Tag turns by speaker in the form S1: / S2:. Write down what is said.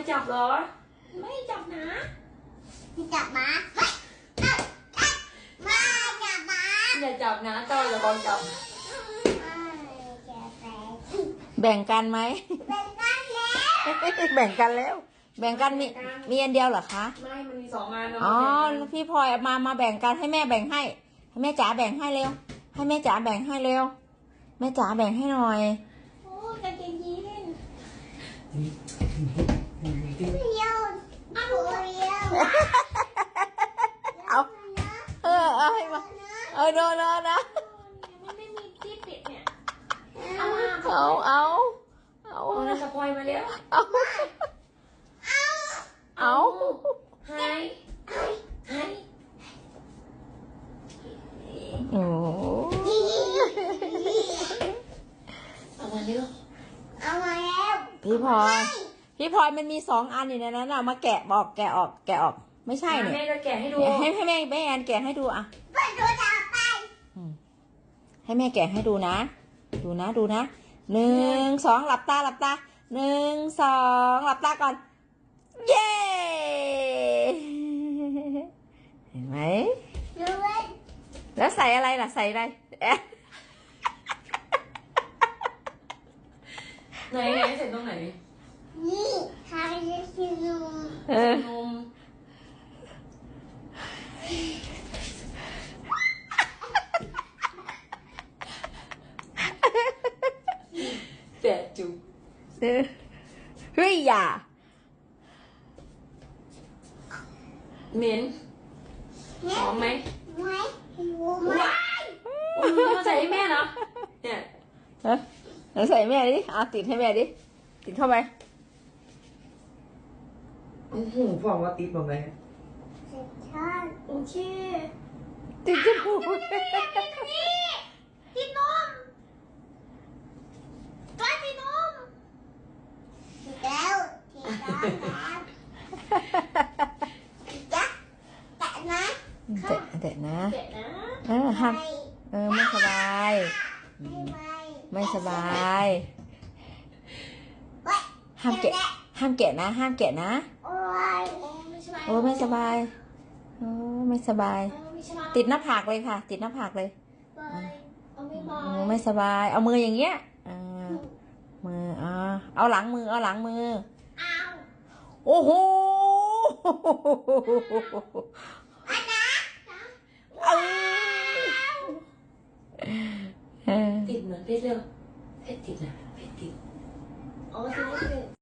S1: จับเหรอไม่จับนะ
S2: จับมามาจับมา
S1: อย่าจับนะเจ้าอย่าบอกจับ
S3: แบ่งกันไหม
S2: แบ่งกันแล้ว
S3: แบ่งกันแล้ว แบ่งกันมีอันเดียวเหรอคะ
S1: ไม่มันมี2 อัน
S3: อ๋อพี่พลอยมาแบ่งกันให้แม่แบ่งให้แม่จ๋าแบ่งให้เร็วให้แม่จ๋าแบ่งให้เร็วแม่จ๋าแบ่งให้หน่อย
S2: โอ้กางเกงยีน
S3: เอาให้มาโดนนะ
S2: มันไม่มีที่ปิดเนี่ย
S3: เอา
S1: สปอยมาแล้ว
S3: เอา
S1: ให้
S3: โอ้
S1: เอามาเร็ว
S2: เอามาแล้ว
S3: พี่พลอยมันมี2 อันอยู่ในนั้นเอามาแกะออกไม่ใช่เนี่ย
S1: แม่จะแกะให้ดู
S3: ให้แม่แอนแกะให้ดูอ่ะ
S2: ไปดูต่อไป
S3: ให้แม่แกะให้ดูนะดูนะ1 2หลับตา1 2หลับตาก่อนเย้เห็นไหมแล้วใส่อะไรล่ะใส่อะไร
S1: ไหนเสร็จตรงไหน
S2: นี่ทาจะกินน
S1: มแต่จุ๊บ
S3: เฮ้ยอย่า
S1: เหม็นหอมไหม
S2: ไม่รู้ไหม
S1: มาใส่ให้แม่เนาะเนี่ย
S3: ใส่แม่ดิติดให้แม่ดิติดเข้าไป
S1: โอ้โหบอกว่าติดบอกไงโอเค
S3: ติดจมูก
S2: ติดนมก็ติดนมติดแล้วแตะนะ
S3: แตะนะ
S1: แกะนะ
S3: ห้ามไม่สบายไม่สบายห้ามแกะนะ
S2: โอ้
S3: ไม่สบายไม่สบายติดหน้าผากเลยค่ะติดหน้าผากเลยไม่สบายเอามืออย่างเงี้ยมือเอาหลังมือโอ้โห
S1: ติดเหมือนเพชรเลยเพชรติดนะเพชรติดอ๋อติด